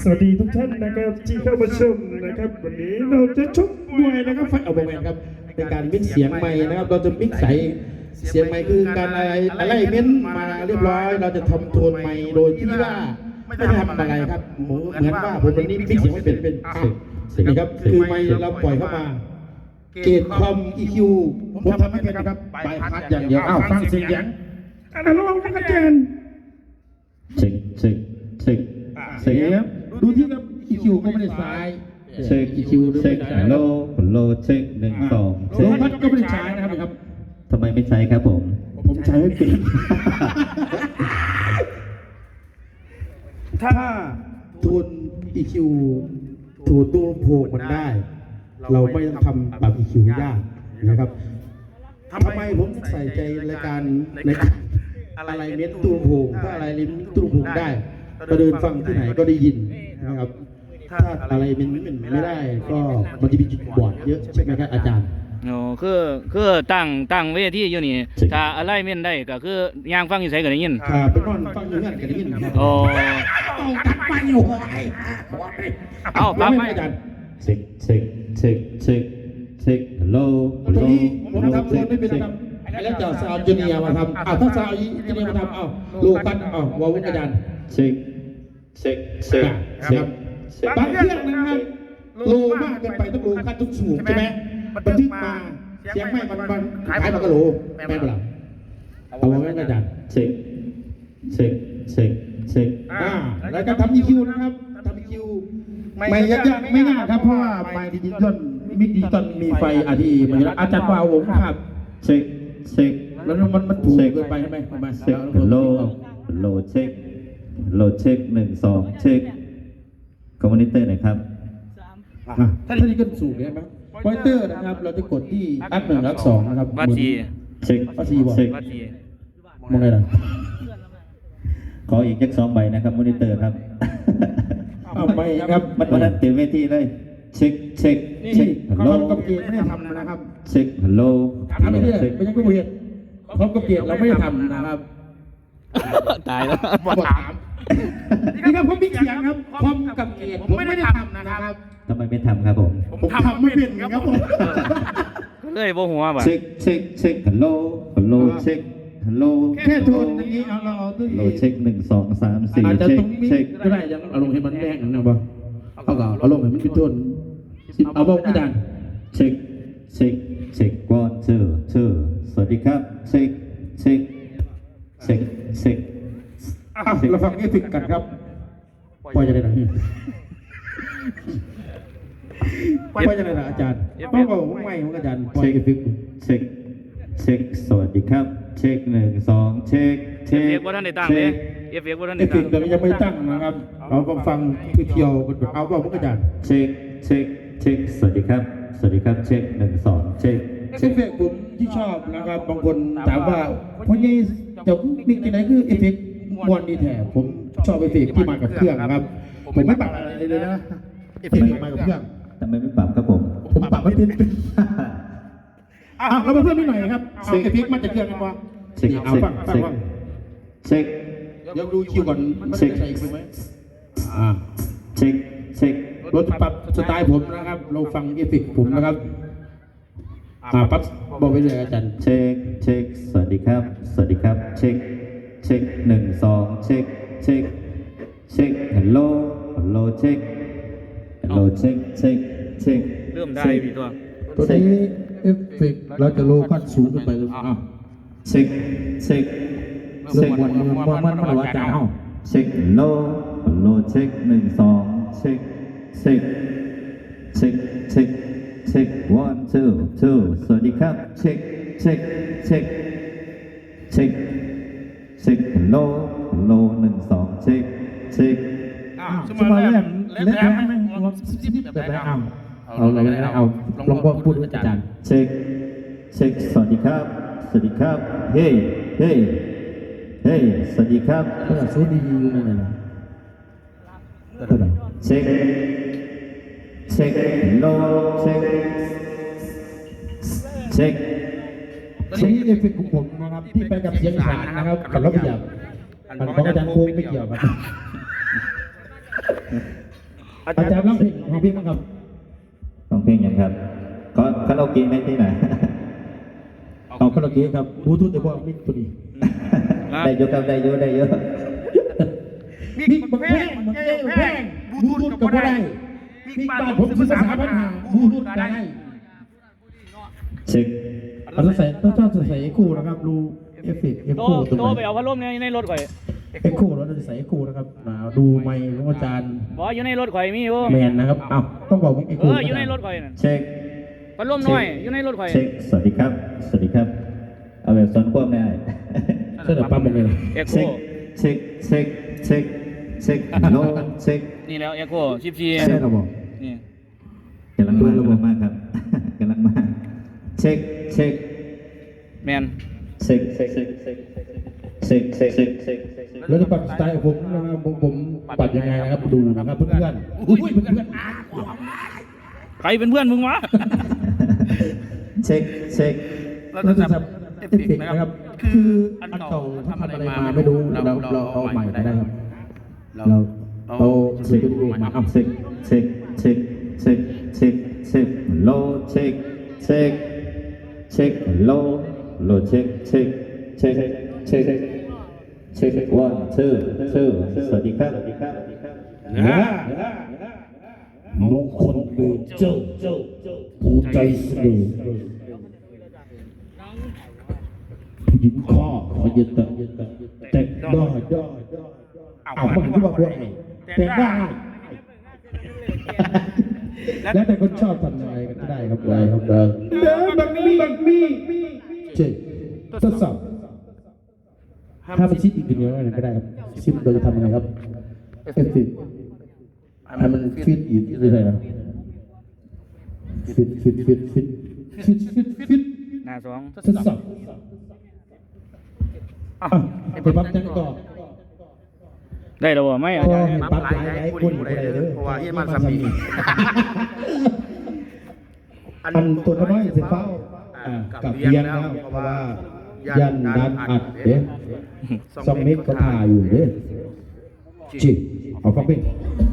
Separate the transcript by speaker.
Speaker 1: สวัสดีทุกท่านนะครับที่เข้ามาชมนะครับวันนี้เราจะชกมวยนะครับไฟเอาไปครับเป็นการมิกเสียงใหม่นะครับเราจะมิกใส่เสียงใหม่คือการอะไรเม้นมาเรียบร้อยเราจะทำโทนใหม่โดยที่ว่าไม่ได้ทำอะไรครับเหมือนว่าผมวันนี้มิกเสียงไม่เป็นนี่ครับคือไมค์เราปล่อยเข้ามาเกตคอม EQ ผมทำไม่เป็นครับไปพัดอย่างเดียวอ้าวฟังเสียงอะไรระวังนะอาจารย์
Speaker 2: เช็คเสียง
Speaker 1: ดูที่ครับ EQ ก็ไม่ได้สาย
Speaker 2: เช็ค
Speaker 1: EQ
Speaker 2: เช็คโลเช็ค1 2เช็ค
Speaker 1: ลมพัดก็ไม่ได้ใช้นะครับ
Speaker 2: ทำไมไม่ใช้ครับผม
Speaker 1: ใช้ไม่เป็นถ้าทุน EQ ถูกตัวโพกมันได้ เราไม่ต้องทำปรับ EQ ยากนะครับทำไมผมใส่ใจรายการในอะไรเน้นตัวโพกถ้าอะไรเน้นตัวโพกได้ก็เดินฟังที่ไหนก็ได้ยินนะครับถ้าอะไรมันไม่ได้ก็มันจะมีจุดบอดเยอะใช่ไหมครับอาจารย์
Speaker 3: โอ้คือตั้งเวทีอยู่นี่ถ้าอะไรเม่นได้ก็คือย่างฟังอยู่ไสก็ได้ยิน
Speaker 1: เป็นนอนฟังอยู่นั่นก็ได้ยิน
Speaker 3: โอ้
Speaker 1: ตัดไปอยู่
Speaker 3: เอาปั๊บไหม
Speaker 2: อาจารย์เช็คโล
Speaker 1: ตอนนี้ผมทำโลไม่เป็นครับแล้วจะซาวจูเนียมาทำถ้าซาวจูเนียมาทำโลกันวาวอาจารย์
Speaker 2: เช็ค
Speaker 1: บางเครื่องนะครับโลมากเกินไปต้องโลขั้นทุกสูงใช่ไหมบันทึกมาเสียงไม่มันขายมันก็โลแม่เปล่าเอาไว้อาจารย์
Speaker 2: เช็ค
Speaker 1: แล้วก็ทำ EQ นะครับทำ EQ ไม่ยากไม่ง่ายครับเพราะว่าไมค์ดิจิตอลมิกดิจิตอลมีไฟRTมันอยู่แล้วอาจารย์วาวผมครับ
Speaker 2: เช็ค
Speaker 1: แล้วมันถูกเกินไปใช่ไหมมา
Speaker 2: เช็คโลเช็ค1 2เช็คคอมมอนิเตอร์หน่อยครับ
Speaker 1: ถ้าที่ขึ้นสูงใช่ไหมมอนิเตอร์นะครับเราจะกดที่อัพ1อัพ2นะครับ
Speaker 3: วัดที
Speaker 2: เช็ค
Speaker 1: มองไงล่ะ
Speaker 2: ขออีก2 ใบนะครับมอนิเตอร์ครับ
Speaker 1: ไม่ครับ
Speaker 2: มันนั้นเต็มเวทีเลยเช็ค
Speaker 1: ฮัลโหลกับเกียร์ไม่ได้ทำนะครับ
Speaker 2: เช็คฮัลโหล
Speaker 1: ทำไม่ได้ไม่ใช่กู้เกียร์เขากับเกียร์เราไม่ได้ทำนะครับ
Speaker 3: ตายแล้ว
Speaker 1: ถามนี่ครับผมมีเสียงครับคอมกับเกียร์ผมไม่ได้ทำนะครับ
Speaker 2: ทำไมไม่ทำครับผม
Speaker 1: ทำไม่เป็นครับผม
Speaker 3: เลยโบหัวบ่
Speaker 2: เช็คฮัลโหลเช็คฮัลโหล
Speaker 1: แค่โทนอย่างนี้เรา
Speaker 2: ตัวนี้เช็ค1 2 3 4
Speaker 1: เช็คก็ได้ยังเอาลงให้มันแดงนะบ่เอาลงให้มันเป็นโทนเอาบอกอาจารย์
Speaker 2: เช็ค1 2 สวัสดีครับเช็ค
Speaker 1: เราฟังนี้ถึงกันครับปล่อยจะได้หรอปล่อยจะได้หรออาจารย์ต้องบอกว่าไม่ของอาจารย์ปล่อยกันถึง
Speaker 2: เช็คสวัสดีครับเช็ค1 2เช็ค
Speaker 3: เอฟเฟกต์ว่าท่านได้ตั้งเลยเอฟเฟกต์ว่าท่านได้ตั้ง
Speaker 1: แต่ยังไม่ตั้งนะครับเราก็ฟังเที่ยวเอาบอกอาจารย์
Speaker 2: เช็คสวัสดีครับเช็ค1 2เช็ค
Speaker 1: เอฟเฟกต์ผมที่ชอบนะครับบางคนถามว่าเพราะยี่จะมีที่ไหนคือเอฟเฟกต์มวนดีแท้ผมชอบเอฟเฟกต์ที่มากับเครื่องนะครับผมไม่ปรับอะไรเลยนะเอฟเฟกต์มากับเครื่อง
Speaker 2: ทำไมไม่ปรับครับผม
Speaker 1: ปรับไม่เป็นเรามาเพิ่มนิดหน่อยครับเอาเอฟเฟกต์มาจากเครื่องกันวะเอาฟัง
Speaker 2: เช็ค
Speaker 1: เดี๋ยวดูคิวก่อนเช็คใส่อีกไหม
Speaker 2: เช็ค
Speaker 1: รถปรับสไตล์ผมนะครับเราฟังเอฟเฟกต์ผมนะครับปั๊บบอกไปเลยอาจารย์
Speaker 2: เช็คสวัสดีครับเช็ค1 2เช็คฮัลโหลเช็ค
Speaker 3: เริ่มได้พี่ตัว
Speaker 1: นี้เอฟเฟกต์เราจะโลขั้นสูงขึ้นไปเลย
Speaker 2: เช็ค
Speaker 1: วันมันว่าจะเอา
Speaker 2: เช็คโลเช็ค1 2เช็ค1 2 สวัสดีครับเช็คฮัลโหล1 2เช็ค
Speaker 1: สมัยแรกเล่นไหมแบบไหนเอาลองพูดอาจารย์
Speaker 2: เช็คสวัสดีครับเฮ้สวัสดีครับ
Speaker 1: ก็สูดีอยู่นั่นแหละ
Speaker 2: เช็คโลเช็ค
Speaker 1: นี้เอฟเฟกต์ของผมนะครับที่ไปกับเสียงอีสานนะครับกับรถพยาบาลของอาจารย์โค้งไม่เกี่ยวครับอาจารย์ร้องเพลงของพี่มั้งครับ
Speaker 2: ร้องเพลงยังครับก็คาราโอเกะไหมที่ไหน
Speaker 1: เอาคาราโอเกะครับบลูทูธแต่ว่ามิกตัวนี้
Speaker 2: ได้เยอะครับได้เยอะได้เยอะ
Speaker 1: มิกบักแพงบักแพงแพงบลูทูธก็ได้มิกบ้านผมซื้อภาษาปัญหาบลูทูธก็ได้
Speaker 2: เช็ค
Speaker 1: เราจะใส่ต้องใส่เอ็กโคนะครับรูเอฟเฟกต์เอ็ก
Speaker 3: โต
Speaker 1: โคตรง
Speaker 3: โต
Speaker 1: ไห
Speaker 3: ไป
Speaker 1: น
Speaker 3: เอาพัดลมในรถข่อย
Speaker 1: เอ็กโคเราจะใส่เอ็กโคนะครับดูไมค์ของอาจารย์
Speaker 3: บอกอยู่ในรถข่อยมีอยู่
Speaker 1: แมนนะครับอ้าวต้องบอกว่าเอ็กโค
Speaker 3: อยู่ในรถข่อยนั่น
Speaker 2: เช็ค
Speaker 3: พัดลมน้อยอยู่ในรถข่อย
Speaker 2: เช็คสวัสดีครับ สวัสดีครับ เอาแบบซ้อนควบได้
Speaker 1: เสื้อปั๊มเป็นไง
Speaker 3: เอ็กโค
Speaker 2: เช็คเช็คเช็คเช็คเช็คฮัลโหลเช็ค
Speaker 3: นี่แล้วเอ็กโค14
Speaker 1: ใช่ครับผม
Speaker 3: นี่
Speaker 2: กำลังมากำลังมากครับ กำลังมาเช็คเช็ค
Speaker 3: แมน
Speaker 2: เช็คเช็คเช็คเช็คเช็คเช็คเช็คเช็ค
Speaker 1: แล้วจะปรับสไตล์ของผมนะครับผมปัดยังไงนะครับดูนะครับเพื่อนๆอุ้ยเพื่อนๆ
Speaker 3: ใครเป็นเพื่อนมึงวะ
Speaker 2: เช็คเช็ค
Speaker 1: เราจะทำเอฟเฟกต์นะครับคืออันเก่าถ้าทำอะไรมาไม่รู้เราเอาใหม่ได้ครับเราเช็คดูมาเอา
Speaker 2: เช็คเช็คเช็คเช็คเช็คเช็คโลเช็คเช็คเช็คโลเช็คเช็คเช็คเช็คเช็ค one two สวัสดีครับ
Speaker 1: มงคลเบเจ้าผู้ใจเสน่ห์ผู้หญิงข้อขอยืนแต่ได้เอามันที่ว่าด้วยแต่ได้แล้วแต่คนชอบทำยังไงก็ได้ครับได้ครับได้เดินบักมีเจ๊ทดสอบถ้ามันชิดอีกทีเดียวก็ได้ครับชิดเราจะทำยังไงครับเอฟฟิให้มันฟิตอีกได้ไหมฟิต
Speaker 3: หน้าสอง
Speaker 1: ทดสอบไปปั๊บจังต่อ
Speaker 3: ได้แล้วบ่ไม่อาจารย์
Speaker 1: ปั๊บหลายคนอยู่ได้เลยเพราะว่าเฮียมันซ้ำอีกอันตัวน้อยเสียเฝ้ากับเรียนแล้วเพราะว่ายันดันอัดเด้2 เมตรก็พาอยู่เด้จิเอาฟังเพลง